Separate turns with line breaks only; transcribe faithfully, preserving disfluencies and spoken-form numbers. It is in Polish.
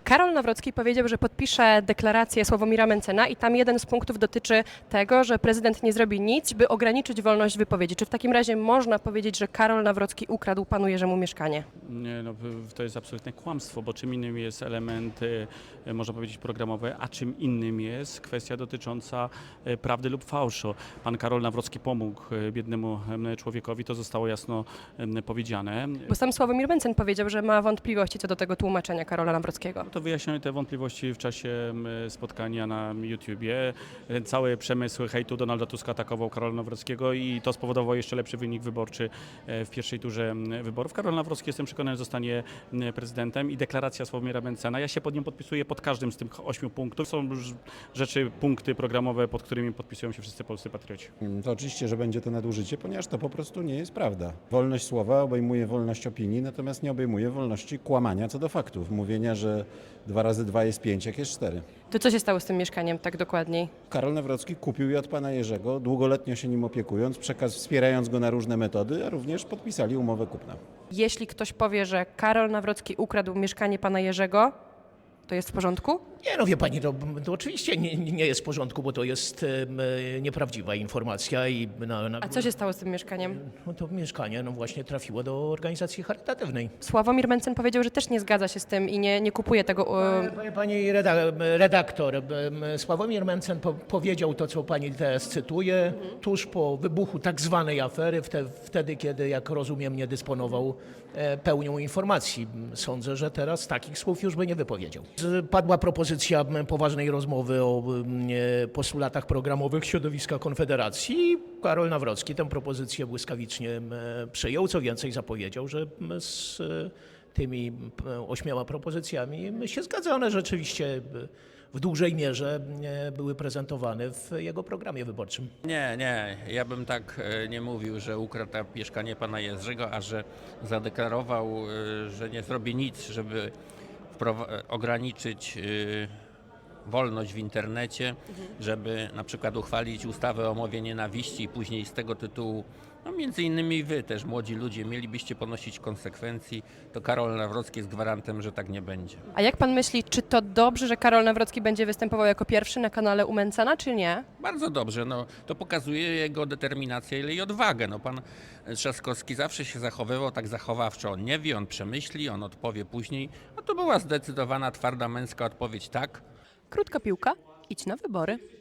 Karol Nawrocki powiedział, że podpisze deklarację Sławomira Mentzena i tam jeden z punktów dotyczy tego, że prezydent nie zrobi nic, by ograniczyć wolność wypowiedzi. Czy w takim razie można powiedzieć, że Karol Nawrocki ukradł panu Jerzemu mieszkanie?
Nie, no, to jest absolutne kłamstwo, bo czym innym jest element, e, można powiedzieć, programowy, a czym innym jest kwestia dotycząca e, prawdy lub fałszu. Pan Karol Nawrocki pomógł e, biednemu e, człowiekowi, to zostało jasno e, powiedziane.
Bo sam Sławomir Mentzen powiedział, że ma wątpliwości co do tego tłumaczenia Karola Nawrockiego.
To wyjaśniamy te wątpliwości w czasie m, spotkania na YouTubie. Cały przemysł hejtu Donalda Tuska atakował Karola Nawrockiego i to spowodowało jeszcze lepszy wynik wyborczy e, w pierwszej turze m, wyborów. Karol Nawrocki, jestem przekonany, zostanie m, prezydentem i deklaracja Sławomira Mentzena. Ja się pod nią podpisuję pod każdym z tych ośmiu punktów. Są już rzeczy, punkty programowe, pod którymi podpisują się wszyscy polscy patrioci.
To oczywiście, że będzie to nadużycie, ponieważ to po prostu nie jest prawda. Wolność słowa obejmuje wolność opinii, natomiast nie obejmuje wolności kłamania co do faktów. Mówienia, że dwa razy dwa jest pięć, jak jest cztery.
To co się stało z tym mieszkaniem tak dokładniej?
Karol Nawrocki kupił je od pana Jerzego, długoletnio się nim opiekując, przekaz wspierając go na różne metody, a również podpisali umowę kupna.
Jeśli ktoś powie, że Karol Nawrocki ukradł mieszkanie pana Jerzego, to jest w porządku?
Nie, no wie pani, to, to oczywiście nie, nie jest w porządku, bo to jest e, nieprawdziwa informacja i na, na,
A co się stało z tym mieszkaniem?
no to mieszkanie no właśnie trafiło do organizacji charytatywnej.
Sławomir Mentzen powiedział, że też nie zgadza się z tym i nie, nie kupuje tego. Um,
Pani, pani reda- redaktor, em, Sławomir Mentzen po, powiedział to, co pani teraz cytuje, tuż po wybuchu tak zwanej afery, wte, wtedy, kiedy, jak rozumiem, nie dysponował e, pełnią informacji. Sądzę, że teraz takich słów już by nie wypowiedział. Z- Padła propozycja m, poważnej rozmowy o m, e, postulatach programowych środowiska Konfederacji. Karol Nawrocki tę propozycję błyskawicznie m, przyjął, co więcej zapowiedział, że m, z e, tymi m, ośmioma propozycjami m, się zgadza. One rzeczywiście m, w dużej mierze m, były prezentowane w jego programie wyborczym.
Nie, nie, ja bym tak e, nie mówił, że ukradł mieszkanie pana Jerzego, a że zadeklarował, e, że nie zrobi nic, żeby wprowa- ograniczyć e, wolność w internecie, żeby na przykład uchwalić ustawę o mowie nienawiści i później z tego tytułu, no między innymi wy też, młodzi ludzie, mielibyście ponosić konsekwencji, to Karol Nawrocki jest gwarantem, że tak nie będzie.
a jak pan myśli, czy to dobrze, że Karol Nawrocki będzie występował jako pierwszy na kanale u Mentzena, czy nie?
Bardzo dobrze, no, to pokazuje jego determinację ile i odwagę. No, pan Trzaskowski zawsze się zachowywał tak zachowawczo. On nie wie, on przemyśli, on odpowie później. No to była zdecydowana, twarda, męska odpowiedź tak.
Krótka piłka, idź na wybory.